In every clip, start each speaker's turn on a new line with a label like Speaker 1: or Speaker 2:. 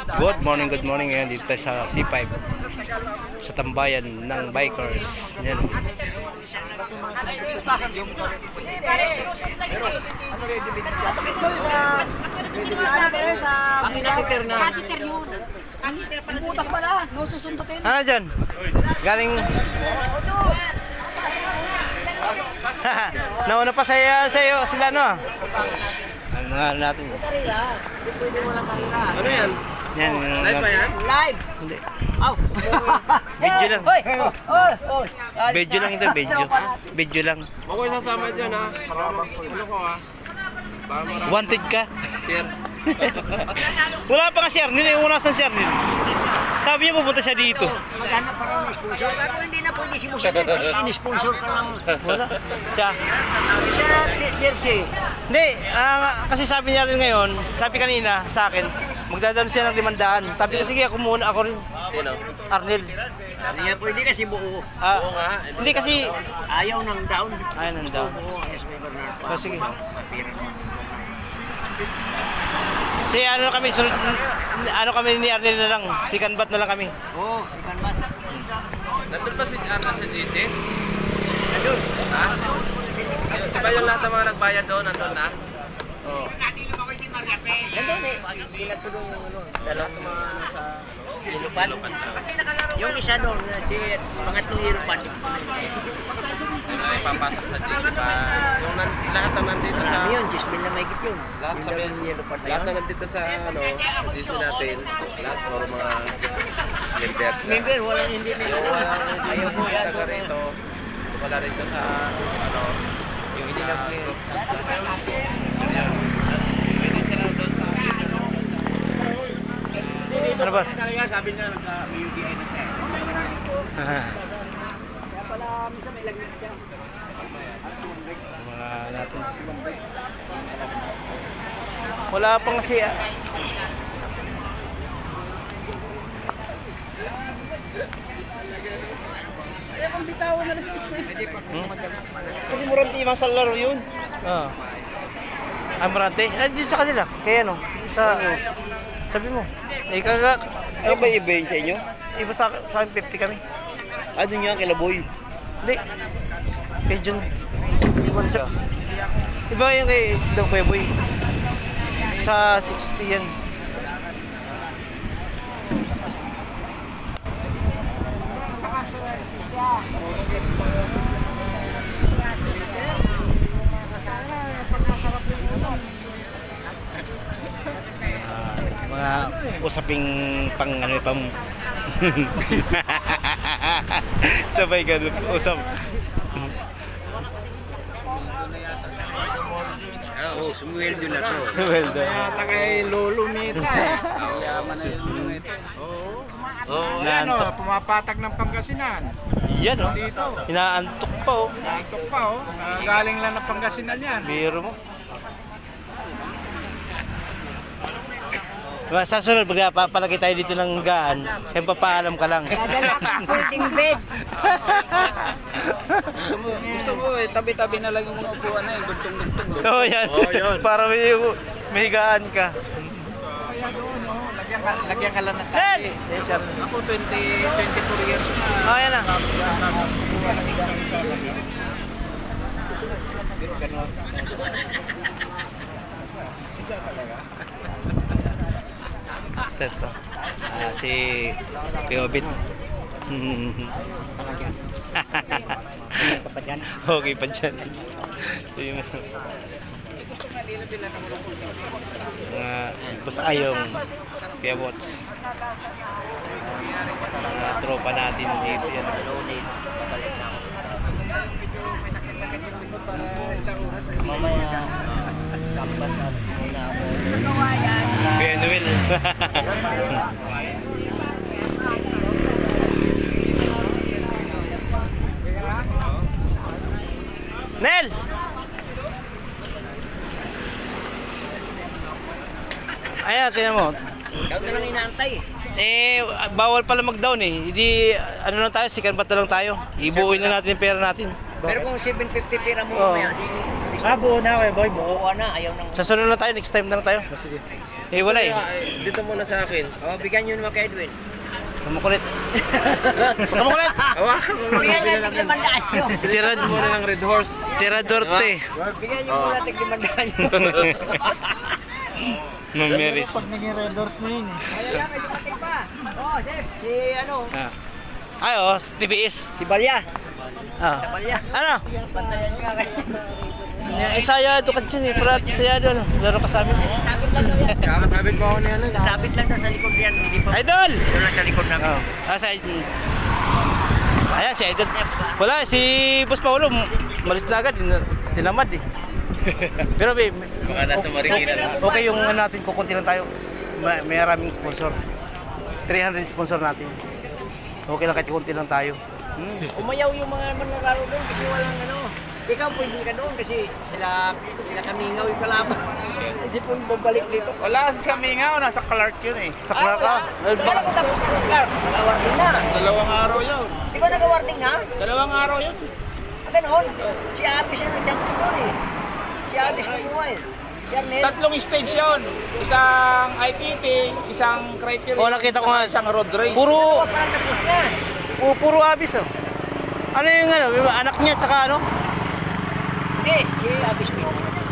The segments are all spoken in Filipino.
Speaker 1: Good morning ngayon dito tayo sa C5 sa tambayan ng bikers. Yan. Ano dyan? Galing nauna pa sa'yo sila no? Ano nga natin?
Speaker 2: Ano yan?
Speaker 1: Yan,
Speaker 2: Live ba yan?
Speaker 3: Live!
Speaker 1: Hindi.
Speaker 3: Aw!
Speaker 1: Video lang.
Speaker 3: Hoy! Hoy! Hoy!
Speaker 1: Video lang ito, video. Video lang.
Speaker 2: Ako yung sasama dyan ha. Ano ko ha? Para marami.
Speaker 1: Wanted ka.
Speaker 2: Sir.
Speaker 1: Wala pa ka si Arnil, yung unas ng si Arnil. Sabi niya pupunta siya dito.
Speaker 3: Maghanap pa raw ng sponsor. Pero hindi na pwede si Musa. Ini-sponsor ka lang.
Speaker 1: Wala. Siya.
Speaker 3: Sa jersey.
Speaker 1: Hindi, kasi sabi niya rin ngayon, sabi kanina sa akin, magdadaan siya ng 500. Sabi ko, sige, ako muna, ako rin.
Speaker 2: Sino?
Speaker 1: Arnil.
Speaker 3: Hindi na pwede kasi buo.
Speaker 2: Oo nga.
Speaker 1: Hindi kasi,
Speaker 3: Ayaw ng down.
Speaker 1: ayun ang down.
Speaker 3: Buo ang SB Bernard.
Speaker 1: Oh, sige.
Speaker 3: Papira naman.
Speaker 1: Si ano kami, ano kami ni Arnil na lang, si Kanbat na lang kami.
Speaker 3: Oo, si Canvas.
Speaker 2: Nandun pa si Arna sa GC?
Speaker 3: Nandun.
Speaker 2: Ha? Diba yung lahat ng mga nagbayad doon, nandun na? Oo.
Speaker 3: Nandun eh. Tinatulong yung ano. Dalawang mga nasa Ilupan. Yung isa doon, si pangatlong Ilupan.
Speaker 2: Ipapasok sa GC pa. Yung lahat na nandito sa...
Speaker 3: Marami yun, 10,000 na mahigit yun.
Speaker 2: Lahat sa
Speaker 3: Yung Ilupan na
Speaker 2: lahat na
Speaker 3: yun.
Speaker 2: nandito sa ano, GC natin. Lahat puro mga members na.
Speaker 3: Member, walang hindi
Speaker 2: Yung
Speaker 3: nila.
Speaker 2: walang
Speaker 3: Ayaw mo yan.
Speaker 2: taga rito. Wala rito sa ano, yung hindi na group.
Speaker 1: Ano boss?
Speaker 4: Sabi niya nagka-UDI na siya.
Speaker 1: Mga natin. Wala pang kasi Kasi Morante yung sa laro yun. Oo. Morante? Dito sa kanila. Kaya ano? Sa... Sabi mo. Kaga...
Speaker 3: Ano ba i-bay sa inyo?
Speaker 1: Iba sa akin 50 kami.
Speaker 3: Ano nga kila boy?
Speaker 1: Hindi. Kay Jun. Iwan siya. Iba yung kay Kuya Boy. Sa 60 yan. Mga usaping pang ano pang sabay ganun usap.
Speaker 3: Oo, sumweldo na to.
Speaker 1: Well done.
Speaker 4: Yata kay Lolo Mita eh. Yaman na yung Lolo Mita. Oo.
Speaker 1: Oh,
Speaker 4: Yan o,
Speaker 1: inaantok.
Speaker 4: pumapatak ng Pangasinan.
Speaker 1: Yan oh.
Speaker 4: Dito.
Speaker 1: Inaantok pa oh.
Speaker 4: Nakikot pa o. Galing lang ng Pangasinan yan.
Speaker 1: Biro mo. Sa sunod, pag papalagay tayo dito ng gaan, kaya papaalam ka lang.
Speaker 3: Dadala ka folding bed.
Speaker 4: Gusto mo eh, tabi-tabi na lang yung mga upuan na yung gultong-gultong.
Speaker 1: Oo, yan.
Speaker 2: Oo, yun.
Speaker 1: Para may gaan ka.
Speaker 4: Kaya doon o, lagyan ka lang ng
Speaker 1: Yan!
Speaker 4: tabi.
Speaker 1: Yes, sir.
Speaker 4: Ako 24 years na.
Speaker 1: Oh, yan na.
Speaker 4: Ganon.
Speaker 1: Ito. Si Piobit. Okay pa dyan. Yung Boss Ayong Kuya Bots. Mga tropa natin dito yan.
Speaker 3: Mamaya. Dapat na muna ako. Sa kawayan.
Speaker 1: Kuya Noel. Nel! Ayan, tingnan mo.
Speaker 3: Ikaw na lang inaantay.
Speaker 1: Bawal pala mag-down eh. Hindi, ano lang tayo, second bat na lang tayo. Ibuuin na natin yung pera natin.
Speaker 3: Pero kung 750 pera mo
Speaker 1: Oo.
Speaker 3: mamaya, di
Speaker 1: buo na kayo, boy. Buo.
Speaker 3: Buo na, ayaw nang...
Speaker 1: Sa sunod na tayo, next time na lang tayo.
Speaker 2: Sige.
Speaker 1: Eh, wala eh.
Speaker 2: Dito muna sa akin.
Speaker 3: Bigyan nyo naman kay Edwin.
Speaker 1: Kamukulit. Kamukulit!
Speaker 2: Hawakan mo muna
Speaker 3: Bigyan nyo
Speaker 2: pinalaki.
Speaker 3: tig 500 nyo.
Speaker 1: Tirad
Speaker 2: Muna ng Red Horse.
Speaker 1: Tirador te.
Speaker 3: Bigyan nyo muna tig 500 nyo.
Speaker 1: Mamiris.
Speaker 4: Pag naging Red Doors na yun eh.
Speaker 3: Ayaw lang, may dumating pa. Oh, Chef, si ano?
Speaker 1: Ay, oh, TBS.
Speaker 3: Si Balya.
Speaker 1: Ah.
Speaker 3: Balya.
Speaker 1: Ano?
Speaker 3: Pantayan ka kay.
Speaker 1: Isaya do kadyan eh. Parati saya do. Laro ka sa amin.
Speaker 3: Sabit lang daw yan.
Speaker 2: Kakasabit ko ako ni ano.
Speaker 3: Sabit lang daw sa likod yan. Hindi pa.
Speaker 1: Idol!
Speaker 3: Doon lang sa likod namin.
Speaker 1: Sa Ayan, si Idol. Wala, si Boss Paulo, malis na agad. Tinamad eh. Pero babe,
Speaker 2: Baka nasa Marikina na.
Speaker 1: okay yung ano natin, kukunti lang tayo. May maraming sponsor. 300 sponsor natin. Okay lang kahit kunti lang tayo.
Speaker 3: Umayaw yung mga manlalaro doon kasi walang ano. Ikaw pwede ka doon kasi sila kamingaw yung kalaban. Kasi kung babalik dito.
Speaker 4: Wala si Kamingaw, nasa Clark yun eh.
Speaker 1: Sa Clark ka.
Speaker 3: Kaya ko tapos na Clark. Nag-awarding na.
Speaker 4: 2 araw yun.
Speaker 3: Di ba nag-awarding na?
Speaker 4: 2 araw yun.
Speaker 3: Ganoon. Si Abis siya nag-champion doon eh. Si Abis kumuha eh. Si Arnel.
Speaker 4: 3 stage yun. Isang ITT, isang criteria.
Speaker 1: Oh, nakita ko nga.
Speaker 4: Isang road race.
Speaker 1: Puro,
Speaker 3: Parang tapos na.
Speaker 1: puro abis oh. Ano yung ano, yung anak niya tsaka ano?
Speaker 3: Hindi, si Abis mo.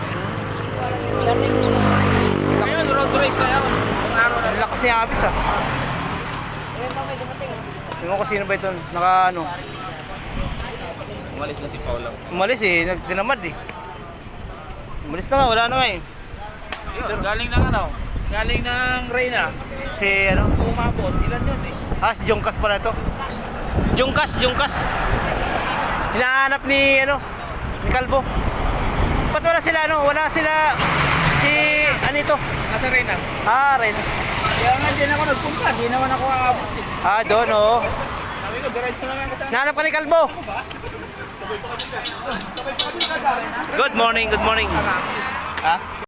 Speaker 3: Si Arnel.
Speaker 4: Ngayon, road race kaya. Ang araw na.
Speaker 1: Ang lakas ni abis ah.
Speaker 3: Ayun pa may dumating.
Speaker 1: Tingnan ko sino ba ito, naka ano.
Speaker 2: Umalis na si Paulo.
Speaker 1: Umalis eh, dinamad eh. Umalis na nga, wala na nga eh.
Speaker 4: Yun, galing ng ano? Galing ng Reyna.
Speaker 1: Si ano?
Speaker 4: Umabot. Ilan yun eh?
Speaker 1: Si Jongkas pala ito. Jongkas. Hinahanap ni ano, ni Calvo. Ba't wala sila ano? Wala sila si ano ito?
Speaker 4: Nasa Reyna.
Speaker 1: Ren.
Speaker 4: Kaya nga dyan ako nagpunta. Di naman ako aabot eh.
Speaker 1: Doon oh.
Speaker 4: Sabi ko, diretso na lang kasama.
Speaker 1: Hinahanap ka ni Calvo. Good morning.